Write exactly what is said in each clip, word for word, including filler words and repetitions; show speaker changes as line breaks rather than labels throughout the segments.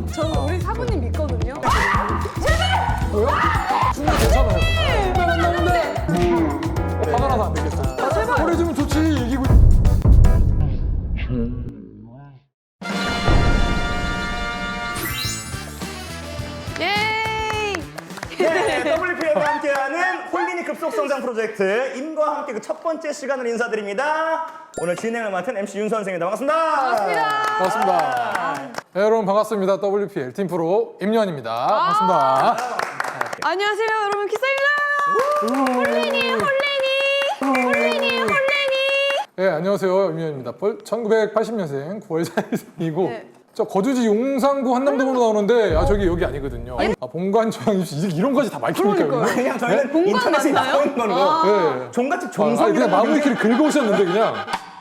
저 우리 사부님 믿거든요.
뭐야? 충분히 괜찮아요. 어, 화가 나서 안 되겠어. 보내주면 좋지. 이기고.
예이!
네, 더블유피엠과 함께하는 홀리니 급속성장 프로젝트 임과 함께 그 첫 번째 시간을 인사드립니다. 오늘 진행을 맡은 엠씨 윤 선생입니다. 반갑습니다.
반갑습니다.
반갑습니다. 네, 여러분 반갑습니다. 더블유피엘 팀프로 임요한입니다. 반갑습니다.
안녕하세요, 여러분. 키스입니다. 홀리니, 홀리니, 홀리니, 홀리니.
네, 안녕하세요. 임요한입니다. 천구백팔십 년생 구월 사일생이고
네.
저 거주지 용산구 한남동으로 나오는데 아 저기 여기 아니거든요. 아 본관 저항 입시 이런 거지 다 밝힙니까?
그러니까요.
그냥 저희는
본관
인터넷에
맞나요?
나오는 거는
아.
네.
종갓집
아,
종성.
아니, 그냥 마무리 키를 긁어오셨는데 그냥.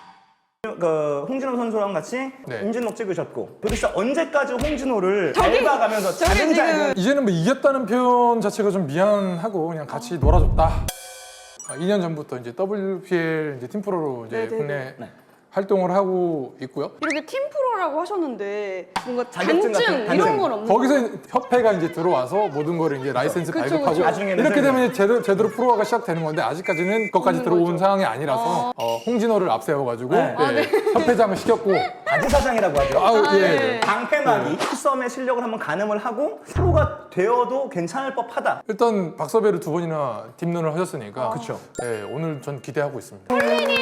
그 홍진호 선수랑 같이
네.
임진록 찍으셨고 도대체 언제까지 홍진호를
저기,
밟아가면서
저기
작은
지금-
작은
이제는 뭐 이겼다는 표현 자체가 좀 미안하고 그냥 같이 놀아줬다. 아, 이 년 전부터 이제 더블유피엘 이제 팀프로로 이제
네네네.
국내
네.
활동을 하고 있고요.
이렇게 팀프로라고 하셨는데 뭔가
자격증
단증
같은-
이런
단증.
건 없는
거기서 협회가 이제 들어와서 모든 거를 이제 라이센스
그쵸,
발급하고
그쵸.
나중에는
이렇게
이제-
되면 이제 제대로, 제대로 프로화가 시작되는 건데 아직까지는 그것까지
없는
들어온
거죠.
상황이 아니라서 어, 홍진호를 앞세워가지고
네.
아,
예, 협회장을 시켰고
바지사장이라고 하죠.
아우
아,
예.
네.
방패막이 키썸의 실력을 한번 가늠을 하고 프로가 되어도 괜찮을 법하다.
일단 박서배를 두 번이나 딥런을 하셨으니까
그쵸.
예, 오늘 전 기대하고 있습니다.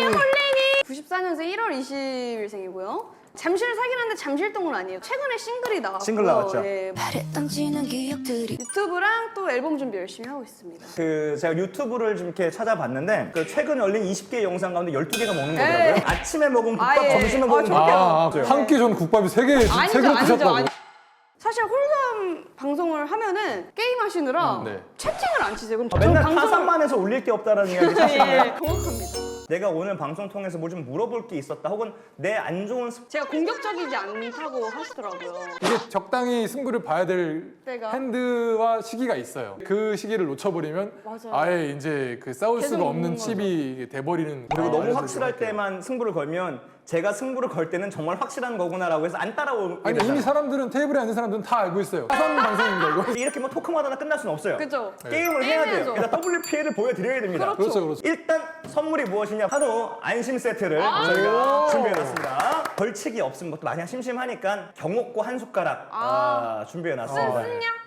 구십사 년생 일월 이십일생이고요. 잠실 사긴 한데 잠실동은 아니에요. 최근에 싱글이 나왔고
싱글 나왔죠.
예,
바랬던 지난 기억들이
유튜브랑 또 앨범 준비 열심히 하고 있습니다.
그 제가 유튜브를 좀 이렇게 찾아봤는데 그 최근 열린 이십 개 영상 가운데 열두 개가 먹는 거더라고요.
에이.
아침에 먹은 국밥,
아, 예.
점심에
아,
먹은
저렇게
국밥.
아, 한 끼 전 국밥이 세 개, 세
아니죠,
그릇
아니죠,
드셨다고.
아니. 사실 홀덤 방송을 하면은 게임 하시느라
음, 네.
채팅을 안 치세요. 그럼
어, 맨날
저 방송을-
타산만 해서 올릴 게 없다라는 이야기
예,
사실인가요?
정확합니다.
내가 오늘 방송 통해서 뭐 좀 물어볼 게 있었다 혹은 내 안 좋은 습...
제가 공격적이지 않다고 하시더라고요.
이게 적당히 승부를 봐야 될
때가?
핸드와 시기가 있어요. 그 시기를 놓쳐버리면
맞아요.
아예 이제 그 싸울
계속
수가 없는
먹는 거죠.
칩이 돼버리는.
그리고
아,
너무
그래서
확실할
좀 할게요.
때만 승부를 걸면 제가 승부를 걸 때는 정말 확실한 거구나라고 해서 안 따라오게
아니
되잖아요.
이미 사람들은 테이블에 앉은 사람들은 다 알고 있어요. 사선 방송입니다 이거.
이렇게 뭐 토크마다 끝날 수는 없어요.
그죠?
게임을 해야 돼요.
게임해야죠.
일단 더블유피엘을 보여드려야 됩니다.
그렇죠.
그렇죠, 그렇죠.
일단 선물이 무엇이냐? 바로 안심 세트를
아.
저희가 준비해놨습니다. 벌칙이 없으면 것도 마냥 심심하니까 경옥고 한 숟가락
아.
아, 준비해놨습니다.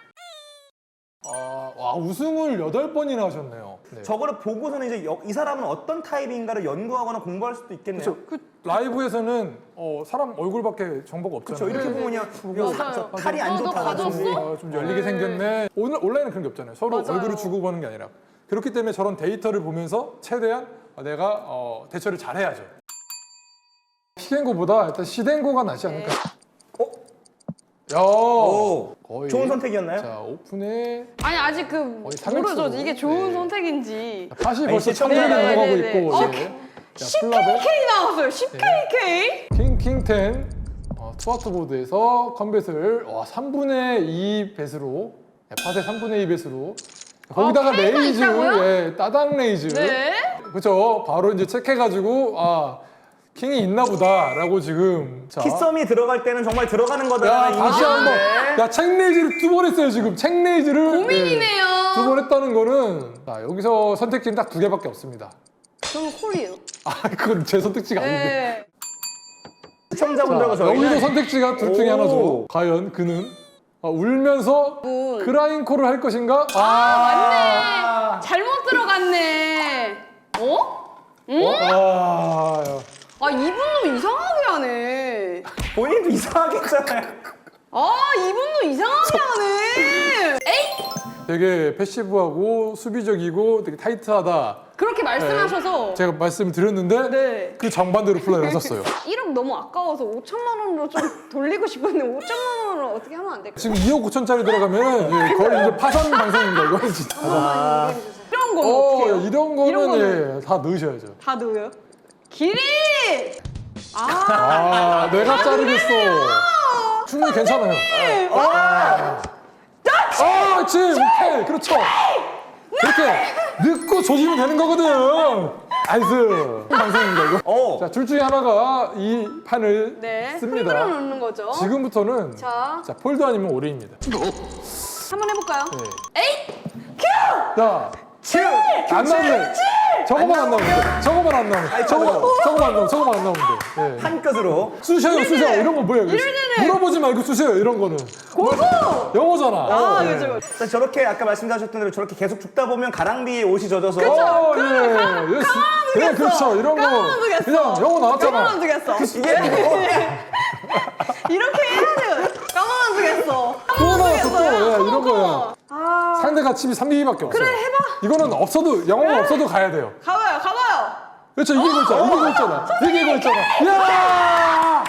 아, 와 우승을 여덟 번이나 하셨네요. 네.
저거를 보고서는 이제 여- 이 사람은 어떤 타입인가를 연구하거나 공부할 수도 있겠네요.
그 라이브에서는 어, 사람 얼굴밖에 정보가 없잖아요.
그렇죠. 이렇게 보면 그냥 이거
맞아요.
저 칼이
어,
안
너
좋다라든지
가졌어?
아, 좀 열리게
네.
생겼네. 오늘 온라인은 그런 게 없잖아요. 서로
맞아요.
얼굴을 주고 보는 게 아니라. 그렇기 때문에 저런 데이터를 보면서 최대한 내가 어, 대처를 잘해야죠. 시den고보다 일단 시den고가 낫지 않을까.
어?
야,
오.
거의.
좋은 선택이었나요?
자 오픈에
아니 아직 그
어디 삼백수.
모르죠. 이게 좋은
네.
선택인지.
팟이
아니,
벌써
시청자-
천명이
네,
넘어가고
네, 네,
있고.
네.
네. 자,
십
플랍에
케이케이 나왔어요. 십 케이케이.
킹킹텐 어, 스와트보드에서 컨벳을 와, 삼분의 이 배수로 네, 팟의 삼분의 이 배수로 거기다가
어, K가
레이즈,
있다고요?
예, 따당 레이즈
네.
그렇죠. 바로 이제 체크해가지고 아 킹이 있나 보다라고 지금 자.
키썸이 들어갈 때는 정말 들어가는
야
거다라는
다시
이미지인데
한번 야 책 레이즈를 두 번 했어요 지금 책 레이즈를
고민이네요.
두 번 했다는 거는 자 여기서 선택지는 딱 두 개밖에 없습니다.
저는 콜이에요.
아 그건 제 선택지가 아닌데.
네.
시청자분들과
자,
저희는
여기도 선택지가 둘 중에
오.
하나죠. 과연 그는 어, 울면서
운.
그라인콜을 할 것인가?
맞네. 잘못 들어갔네. 어? 응?
아,
아 이분도 이상하게 하네.
본인도 이상하게 했잖아요.
아 이분도 이상하게 하네. 에이
되게 패시브하고 수비적이고 되게 타이트하다.
그렇게 말씀하셔서
제가 말씀을 드렸는데
네.
그 정반대로 플레이를 하셨어요.
일억 너무 아까워서 오천만 원으로 좀 돌리고 싶은데 오천만 원으로 어떻게 하면 안 될까요?
지금 이억 오천짜리 들어가면 예, 거의 이제 파산 방송입니다. 이거 진짜.
아,
이런 건
어,
어떻게 해요?
이런 거는
이런 거는
예, 다 넣으셔야죠.
다 넣어요? 길이! 아
아, 내가 자르겠어. 충분히 괜찮아요. 아, 지 오케이. 그렇죠. 이렇게 넣고 조지면 되는 거거든. 나이스. 방송입니다 이거.
오.
자, 둘 중에 하나가 이 판을
네.
씁니다.
흔들어 놓는 거죠.
지금부터는
자.
자, 폴드 아니면 오리입니다.
한번 해볼까요?
네.
에잇!
자,
칠!
안 나오네. 저거만 안 나오는데. 저거만 안 나오는데. 저거, 저거만 안 나오면 저거만 안 나오는데. 예.
한 끝으로.
쑤셔요, 쑤셔. 이런 거 뭐예요?
이럴 때는-
물어보지 말고 쑤셔요. 이런 거는.
고고!
영어잖아.
아,
예.
그죠.
자, 저렇게 아까 말씀하셨던 대로 저렇게 계속 죽다 보면 가랑비에 옷이 젖어서
어, 예.
그럼
예.
가만
예,
두겠어.
그렇죠. 이런 거.
가만 두겠어.
그냥 영어 나왔잖아.
까만 두겠어.
이게 뭐야?
이렇게 해야지. 까만 두겠어.
또 나왔어, 또. 예, 이런 거야.
아,
상대가 칩이 삼 비비밖에 없어요.
그래, 해봐.
이거는 없어도, 영어가 없어도 가야 돼요.
가봐요, 가봐요.
그렇죠. 이게 이거 있잖아. 이게 이거 있잖아. 이게 이거 있잖아. 야!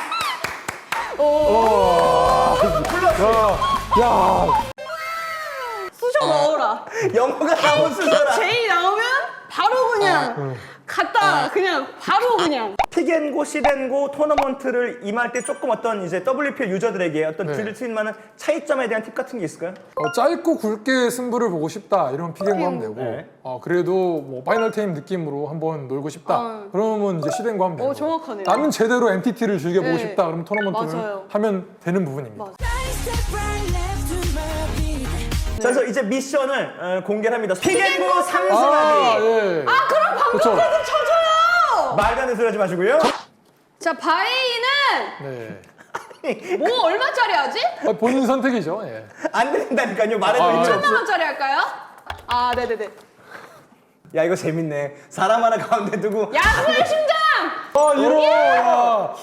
오. 야! 야!
쑤셔 넣어라.
영어가 나온 수저라.
제이 나오면 바로 그냥 갔다 그냥 바로 그냥.
픽앤고, 시덴고 토너먼트를 임할 때 조금 어떤 이제 더블유피엘 유저들에게 어떤
네.
들릴 수 있는 많은 차이점에 대한 팁 같은 게 있을까요?
어, 짧고 굵게 승부를 보고 싶다 이러면 피겐고 하면 되고
네.
어, 그래도 뭐 파이널 테임 느낌으로 한번 놀고 싶다
어.
그러면 이제 시덴고 하면 되고
어, 정확하네요.
나는 제대로 엠티티를 즐겨보고
네.
싶다 그러면 토너먼트를
맞아요.
하면 되는 부분입니다.
맞아.
자, 그래서 이제 미션을 어, 공개를 합니다. 픽앤고
아,
삼승하기.
예.
아 그럼 방금
그쵸.
거좀 쳐줘요.
말도 안 되는 소리 하지 마시고요.
자 바이는
네.
뭐 얼마짜리 하지?
아, 본인 선택이죠. 예.
안 된다니까요. 말해도
아,
의미
예.
없어.
천만 원짜리 할까요? 아 네네네.
야, 이거 재밌네. 사람 하나 가운데 두고.
야구의 심장.
아, 이러. 야.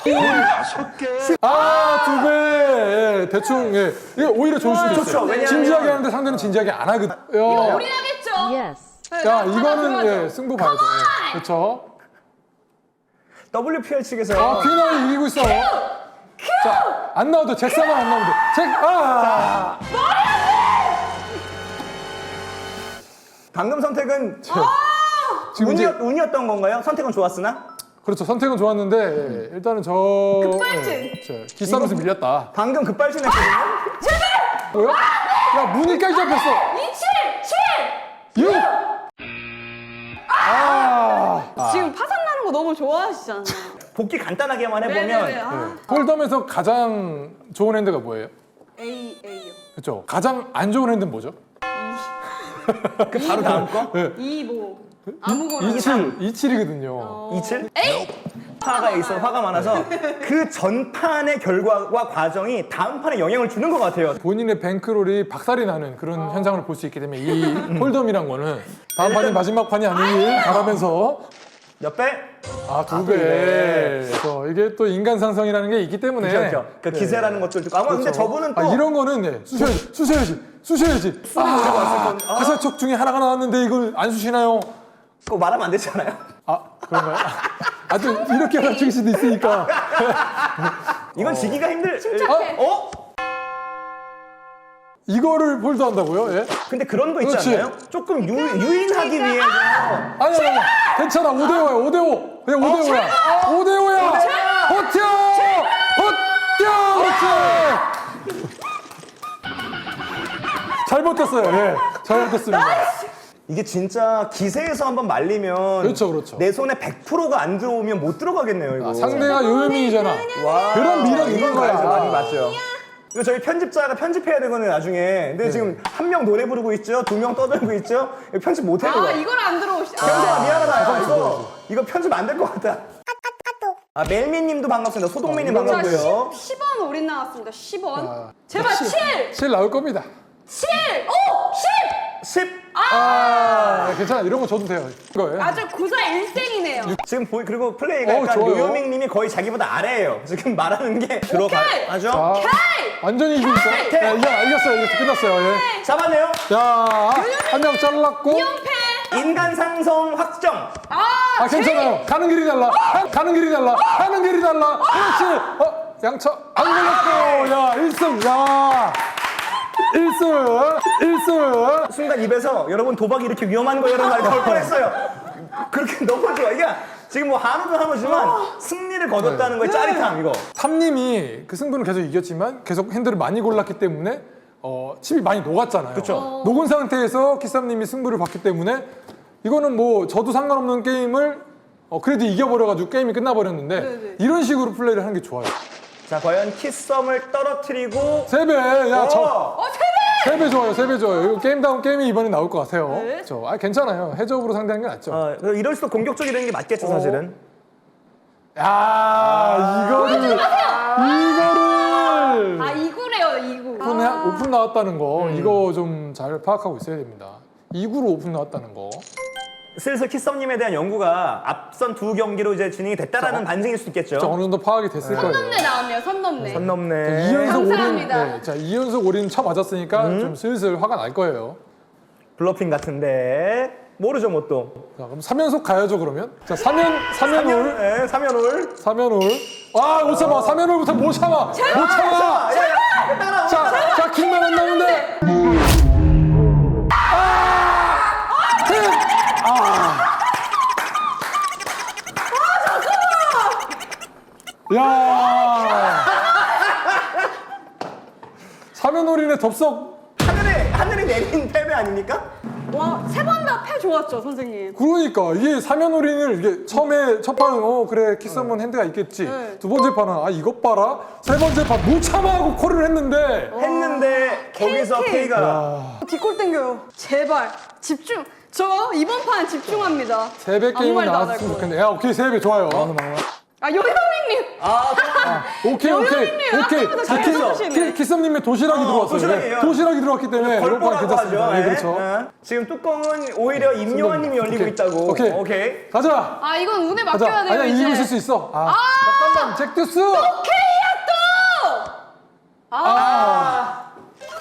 아, 두 배. 예, 대충 예. 이게 오히려 좋을 수도 있어요.
좋죠. 왜냐하면-
진지하게 하는데 상대는 진지하게 안 하거든.
이거
야,
올인하겠죠? 네,
야
하나
이거는
들어가죠.
예, 승부 봐야죠. 예. 그렇죠.
더블유피엘 측에서
아, 퀸이 이기고 있어. 자, 안 나와도 잭사만 안 나오면 돼. 잭, 아!
방금 선택은
지금 이제,
운이었, 운이었던 건가요? 선택은 좋았으나?
그렇죠. 선택은 좋았는데, 예, 일단은 저.
급발진.
예, 저 기싸움에서 밀렸다.
방금 급발진했거든요.
뭐야? 야, 문이까지 잡혔어.
이칠! 칠!
육! 아! 아.
지금 파산 나는 거 너무 좋아하시잖아요.
복귀 간단하게만 해보면
네네네. 아.
홀덤에서 가장 좋은 핸드가 뭐예요?
A A요.
그렇죠. 가장 안 좋은 핸드는 뭐죠?
그 바로 다음 거?
네.
이 뭐 아무거나.
이칠, 이칠이거든요.
어.
이칠?
에이!
화가 있어 화가 많아서 그 전판의 결과와 과정이 다음 판에 영향을 주는 것 같아요.
본인의 뱅크롤이 박살이 나는 그런
어.
현상을 볼 수 있기 때문에 이 홀덤이란 거는 다음 판이 마지막 판이 아니길 바라면서
몇 배?
아, 두
아,
배.
네.
그래서 이게 또 인간 상성이라는 게 있기 때문에.
그렇죠. 그 기세라는 것도 있고. 아마 근데
그렇죠.
저분은 또
아, 이런 거는 네, 쑤셔야지, 쑤셔야지, 쑤셔야지. 아,
건- 아.
화살촉 중에 하나가 나왔는데 이걸 안 쑤시나요?
그거 말하면 안 되잖아요.
아, 그런가요? 아, 또 이렇게 맞출 수도 있으니까.
이건 지기가 힘들.
침착해.
어?
이거를 폴드 한다고요? 예?
근데 그런 거 있지
그렇지.
않나요? 조금 유, 유인하기 위해서
아니, 아니, 아니. 괜찮아. 오 대 오야, 오 대 오. 그냥 오 대 오야. 오 대 오야. 버텨! 버텨! 그렇지! 잘 버텼어요. 예. 잘 버텼습니다.
이게 진짜 기세에서 한번 말리면
그렇죠, 그렇죠.
내 손에 백 퍼센트가 안 들어오면 못 들어가겠네요, 이거.
아, 상대가 요요민이잖아.
와.
그런 미련 있는
이건
거야.
맞죠, 맞죠, 맞죠. 이거 저희 편집자가 편집해야 되거든요, 나중에. 근데 지금 한 명 노래 부르고 있죠, 두 명 떠들고 있죠. 이거 편집 못 해요.
아 이걸 안 들어오시.
현재야
아.
미안하다. 이거 이거 편집 안 될 것 같다. 아 멜미님도 반갑습니다. 소동민님
어, 이거
반갑고요.
십 원 올인 나왔습니다. 십 원.
아,
제발 칠!
칠 나올 겁니다.
칠! 오! 십!
십.
아, 괜찮아. 이런 거 줘도 돼요. 이거예요.
아주 구사일생이네요.
지금 보이 그리고 플레이가
어,
약간
좋아요.
요요밍님이 거의 자기보다 아래예요. 지금 말하는 게 들어가죠.
자,
헤이!
완전히 이기고 있어.
오케이.
야, 이겨, 이겼어요. 이겼어. 끝났어요. 예.
잡았네요.
자, 한 명 잘랐고.
연패!
인간 상성 확정.
아!
아, 괜찮아요. 가는 길이 달라. 가- 가는 길이 달라. 가는 길이 달라. 그렇지. 어, 양차 안 걸렸고. 야, 일 승. 야. 일 승. 일 승.
순간 입에서 여러분 도박이 이렇게 위험한 거예요 라는 말이 나올 뻔했어요. 그렇게 너무 좋아. 이게 지금 뭐 한우도 한우지만 승리를 거뒀다는 거에 짜릿함 이거.
탐님이 그 승부는 계속 이겼지만 계속 핸들을 많이 골랐기 때문에 어, 칩이 많이 녹았잖아요.
그쵸.
녹은 상태에서 키쌈님이 승부를 봤기 때문에 이거는 뭐 저도 상관없는 게임을 어, 그래도 이겨버려가지고 게임이 끝나버렸는데
네네.
이런 식으로 플레이를 하는 게 좋아요.
자, 과연 키썸을 떨어뜨리고
세 배! 야, 저
어!
어, 세 배!
세 배 좋아요, 세 배 좋아요. 이거 게임 다운 게임이 이번에 나올 것 같아요.
네.
저, 아, 괜찮아요. 해적으로 상대하는 게 낫죠.
어, 이럴수록 공격적이라는 게 맞겠죠,
어.
사실은.
야, 이거를, 이거를!
아, 이구래요, 이구.
오픈,
아.
오픈 나왔다는 거,
음.
이거 좀 잘 파악하고 있어야 됩니다. 이 구로 오픈 나왔다는 거.
슬슬 키썸님에 대한 연구가 앞선 두 경기로 이제 진행이 됐다라는 반증일 수 있겠죠.
진짜 어느 정도 파악이 됐을
선
거예요.
넘네 나왔네요, 선 넘네.
선 넘네.
이 연속 올인,
감사합니다.
네, 자, 이 연속 올인 쳐 맞았으니까
음.
좀 슬슬 화가 날 거예요.
블러핑 같은데 모르죠, 뭐 또.
자, 그럼 삼 연속 가야죠, 그러면. 자, 삼 연, 삼 연 올.
네, 삼 연 올.
삼 연 올. 아, 못 참아. 삼 연 올부터 못 참아. 못 참아.
야, 야, 따라와.
자, 자, 킹만 안 나오는데. 아! 킹! 아. 야. 삼 연 올인의 덥석.
하늘에 하늘에 내린 패배 아닙니까?
와, 세 번 다 패 좋았죠, 선생님.
그러니까 이게 삼 연 올인을 이게 처음에 첫 판은 어 그래 키스하면 핸드가 있겠지.
네.
두 번째 판은 아 이것 봐라. 세 번째 판 못 참아 하고 콜을 했는데.
했는데 거기서
K.
K가
야.
뒷골 땡겨요. 제발, 집중. 저 이번 판 집중합니다.
세 배
아무
게임은
말도 안
나왔으면
할 거예요.
좋겠네. 야 오케이 세 배 좋아요.
아, 요요밍님.
아,
오케이 오케이
요요밍님,
오케이.
아까보다
자,
잘
키-
해주시네.
키- 키썸님의 도시락이
어,
들어왔어요.
도시락이에요.
네, 도시락이 들어왔기 때문에 이번 판
걸보라고 하죠.
괜찮습니다. 네,
예.
그렇죠.
예. 지금 뚜껑은 오히려 임요한님이 열리고
오케이.
있다고.
오케이.
오케이.
가자.
아, 이건 운에
가자.
맡겨야 돼요,
아니야
이제.
이기고 있을 수 있어. 아, 잠깐만 잭듀스.
오케이야, 또! 아,
아.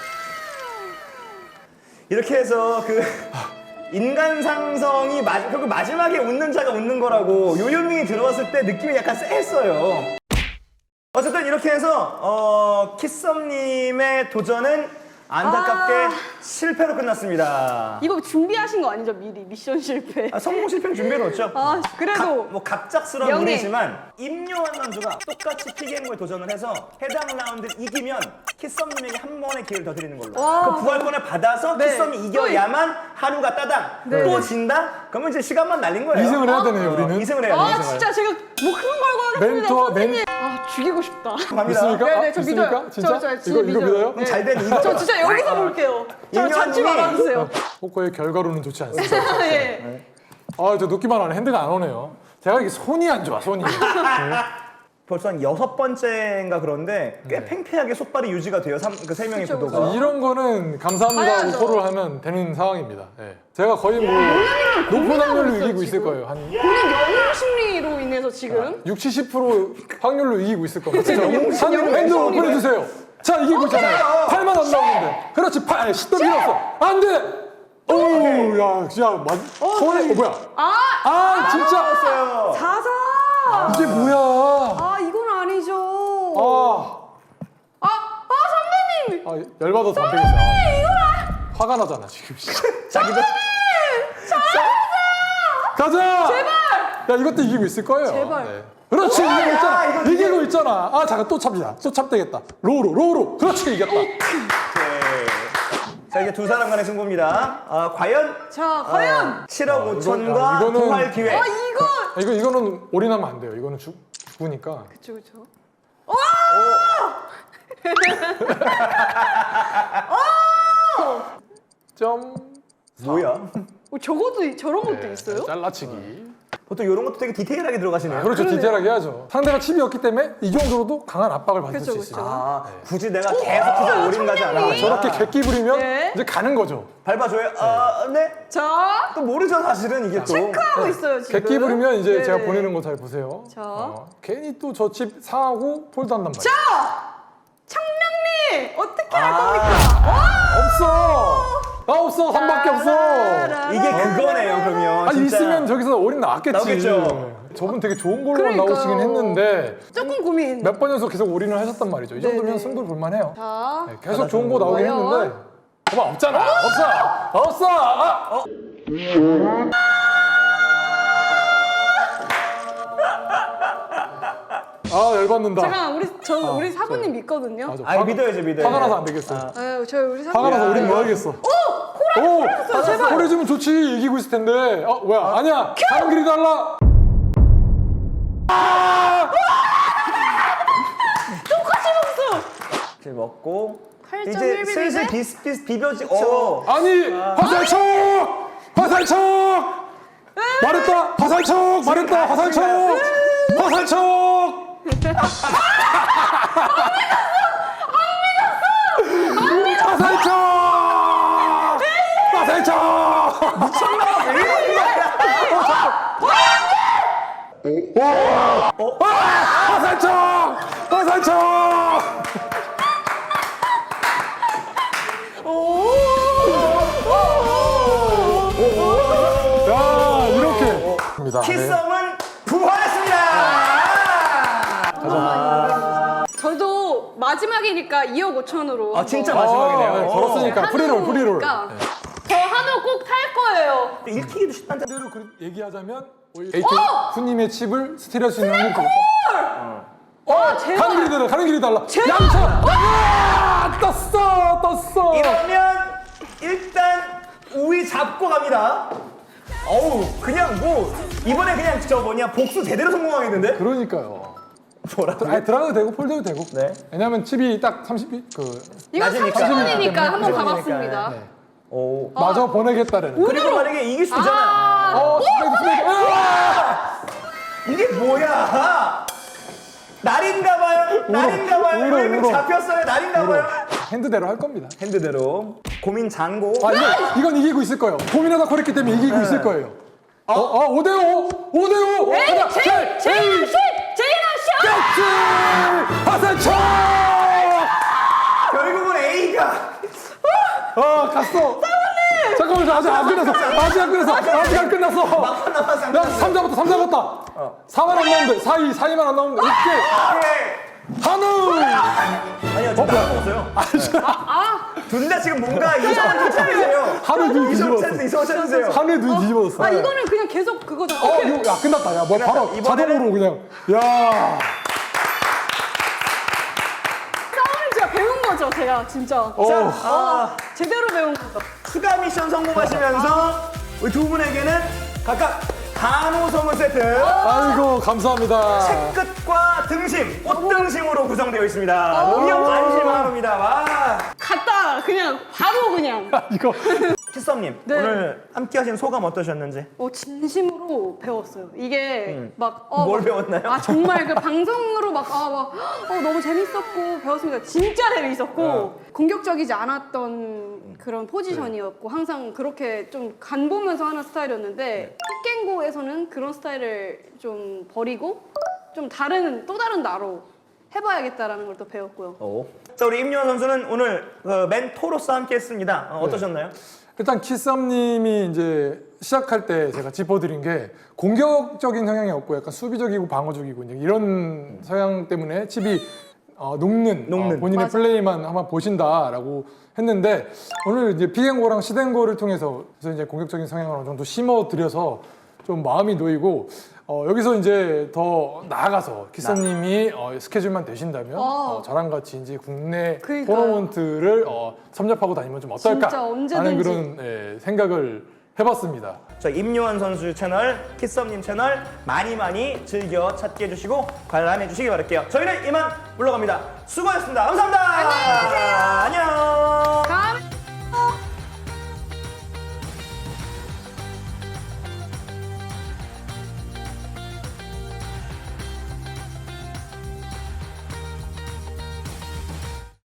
이렇게 해서 그 인간 상성이 마, 결국 마지막에 웃는 자가 웃는 거라고 요요밍이 들어왔을 때 느낌이 약간 쎄했어요. 어쨌든 이렇게 해서 어, 키썸님의 도전은 안타깝게
아.
실패로 끝났습니다.
이거 준비하신 거 아니죠, 미리? 미션 실패.
아, 성공 실패는 준비해놓죠.
아, 그래도.
뭐 갑작스러운
명예.
일이지만 임요한 선수가 똑같이 피게임을 도전을 해서 해당 라운드를 이기면 키썸님에게 한 번의 기회를 더 드리는 걸로.
와.
그 부활권을 받아서
네.
키썸이 이겨야만 하루가 따당.
네.
또 진다? 그러면 이제 시간만 날린 거예요.
이 승을 해야 되네요 우리는.
이 승을 해야
아,
돼요.
진짜 제가 뭐 그런 걸고 하겠습니다,
멘토와
선생님. 아, 죽이고 싶다.
갑니다.
믿습니까?
네네,
아,
저
믿습니까?
믿어요.
진짜?
저, 저 진짜
이거 이거
믿어요.
믿어요?
네.
잘된 이거.
저 진짜 여기서 볼게요. 저
임요한님이-
찾지 말아주세요.
포커의 결과로는 좋지 않습니다.
예.
아, 저 놓기만 하네. 핸드가 안 오네요. 제가 이게 손이 안 좋아, 손이.
벌써 한 여섯 번째인가 그런데 꽤
네.
팽팽하게 속발이 유지가 돼요. 그 세 명의
그쵸,
구도가.
이런 거는 감사합니다 하고
봐야죠.
콜을 하면 되는 상황입니다. 예. 제가 거의 뭐 높은 확률로
있어요,
이기고 있을
지금.
거예요. 한
본인 영웅 심리로 인해서 지금.
육십, 칠십 퍼센트 확률로 이기고 있을 겁니다. 진짜
영웅
한
심리,
핸드
영웅
오픈해 주세요. 자, 이기고 있잖아요. 팔만 안 나오는데. 그렇지, 팔, 십도 밀었어. 안 돼! 오우, 야, 진짜, 맞, 손에, 어, 뭐야.
아!
아, 진짜!
어
자사!
이게 뭐야.
아, 이건 아니죠.
아,
아, 아, 선배님!
아 열받아서 안 되겠어. 아, 화가 나잖아, 지금.
자기도
가자! 제발! 야, 이것도 이기고 있을 거예요.
제발.
그렇지, 이기고
야,
있잖아.
이거
이기고 있잖아. 아, 잠깐 또 참자. 또 참되겠다. 로우로, 로우로. 그렇지, 이겼다.
네. 자 이제 두 사람 간의 승부입니다. 아, 과연
자, 과연!
칠억
아,
오천과
이건- 아, 이거는-
부활 기회.
아, 이거!
아, 이거, 이거는 올인하면 안 돼요. 이거는 죽, 죽으니까.
그쵸, 그쵸.
점.
뭐야?
어, 적어도 저런 것도
네,
있어요?
잘라치기.
보통 이런 것도 되게 디테일하게 들어가시네요.
그렇죠,
그러네요.
디테일하게 해야죠. 상대가 칩이었기 때문에 이 정도로도 강한 압박을 받을
그쵸,
수
그쵸.
있어요.
아, 굳이 내가 계속해서 올인 가지 않아.
청량리.
저렇게 객기 부리면
네.
이제 가는 거죠.
밟아줘요. 아, 네.
자,
또 모르죠 사실은 이게 또.
체크하고 있어요, 지금.
객기 부리면 이제
네네.
제가 보내는 거 잘 보세요.
자.
어, 괜히 또 저 칩 상하고 폴드한단 말이에요.
자! 청량리! 어떻게 할
아.
겁니까?
없어! 나 없어! 한 밖에 없어!
라라라라.
이게 그거네요 그러면.
아니
진짜.
있으면 저기서 올인 나왔겠지.
나오겠죠.
저분 되게 좋은 걸로
그러니까요.
나오시긴 했는데
조금 고민.
몇 번 연속 계속 올인을 하셨단 말이죠. 이 정도면
네네.
승부를 볼만해요.
자,
네, 계속 좋은 거 나오긴
과연?
했는데 봐봐 없잖아. 없어! 없어! 아! 아 열받는다.
잠깐 우리 저
아,
우리 사부님
저-
믿거든요.
맞아.
아이 믿어야죠 믿어요.
화가 나서 안 되겠어.
아유, 저 우리 사부님.
화가 나서
야,
우린
야.
뭐 하겠어.
오!
오, 보내주면 좋지. 이기고 있을 텐데. 어, 뭐야? 아니야. 가는 길이 달라. 아!
이제 먹고
팔 점
이제
일
슬슬
비비인데?
비슷비슷 비벼지. 어.
아니, 화살촉! 화살촉! 말했다. 화살촉! 말했다. 화살촉! 화살촉! 화살촉! 화살촉! 화살촉! 화살촉! 야, 이렇게. 입니다. 네.
키썸은 부활했습니다.
저도 마지막이니까 이억 오천으로.
아 진짜 마지막이네요.
네, 걸었으니까 프리롤, 프리롤.
저 한우 꼭 탈 거예요.
읽히기도 쉽단 데
대로 그 얘기하자면 에이케이 후님의 칩을 스틸할 수 있는 확률이
와, 제발.
가는 길이 달라. 가는 길이 달라.
제발.
양차. 아, 떴어, 떴어.
이러면 일단 우위 잡고 갑니다. 어우 그냥 뭐 이번에 그냥 저 뭐냐 복수 제대로 성공하겠는데?
그러니까요.
뭐라고?
아니, 들어가도 되고 폴드도 되고.
네.
왜냐면 칩이 딱 삼십 비 그
이건
낮으니까.
삼십 분이니까 한번
낮으니까.
가봤습니다.
네.
오.
마저 보내겠다는.
그리고 만약에 이길 수 있잖아요.
아,
어, 스페이드, 스페이드. 아!
이게 뭐야? 날인가봐요. 날인가봐요.
울어,
이거
울어.
잡혔어요. 날인가봐요.
핸드대로 할 겁니다.
핸드대로 고민 장고.
아, 이건, 이건 이기고 있을 거예요. 고민하다 코랬기 때문에 이기고 있을 거예요. 어, 어, 오 대 오! 오 대 오!
에이,
가자!
제이, 제이나 슛! 제이나 슛!
그렇지! 화살촉!
결국은 A가
아, 갔어. 잠깐만, 아직 안 끝났어. 아직 안 끝났어. 아직 안 끝났어.
막판 남았어.
야, 삼 잡았다, 삼 잡았다. 사만 안 나오면 돼. 사, 이, 사, 이만 안 나오면 돼. 오케이. 한우!
아니요, 저 나안 먹었어요. 둘 다 지금 뭔가 이성을 좀 찾으세요.
한우 눈
이성을
뒤집어졌어.
찾으세요. 이성을 찾으세요.
한우의 눈이 뒤집어졌어.
아, 이거는 그냥 계속 그거잖아.
어, 이거, 야, 끝났다. 야, 뭐 바로
이번에는-
자동으로 그냥. 야.
싸움을 제가 배운 거죠, 제가 진짜.
어.
아,
제대로 배운 거죠.
추가 미션 성공하시면서 우리 두 분에게는 각각 한우 선물 세트,
아이고, 감사합니다.
끝과 등심, 꽃등심으로 구성되어 있습니다. 노영 안심 한우입니다. 와.
갔다, 그냥, 바로 그냥.
이거.
키썸님,
네.
오늘 함께 하신 소감 어떠셨는지?
어, 진심으로 배웠어요. 이게 막. 어,
뭘
막-
배웠나요?
아, 정말 그 방송으로 막, 아, 막, 어, 너무 재밌었고, 배웠습니다. 진짜 재밌었고,
어.
공격적이지 않았던 그런 포지션이었고, 항상 그렇게 좀 간 보면서 하는 스타일이었는데, 픽갱고에서는 그런 스타일을 좀 버리고, 좀 다른, 또 다른 나로 해봐야겠다라는 걸 또 배웠고요.
오. 자, 우리 임요원 선수는 오늘 그 멘토로서 함께 했습니다. 어, 어떠셨나요?
일단 키썸님이 이제 시작할 때 제가 짚어드린 게 공격적인 성향이 없고 약간 수비적이고 방어적이고 이제 이런 성향 때문에 칩이 어, 녹는,
녹는.
어, 본인의
맞아.
플레이만 한번 보신다라고 했는데 오늘 이제 비행고랑 시den고를 통해서 그래서 이제 공격적인 성향을 어느 정도 심어드려서 좀 마음이 놓이고 어, 여기서 이제 더 나아가서 키썸님이 어, 스케줄만 되신다면 어, 저랑 같이 이제 국내
그러니까요.
토너먼트를 어, 섭렵하고 다니면 좀 어떨까
진짜 언제든지.
하는 그런 예, 생각을 해봤습니다.
저 임요한 선수 채널, 키썸님 채널 많이 많이 즐겨 찾게 해주시고 관람해 주시기 바랄게요. 저희는 이만 물러갑니다. 수고하셨습니다. 감사합니다.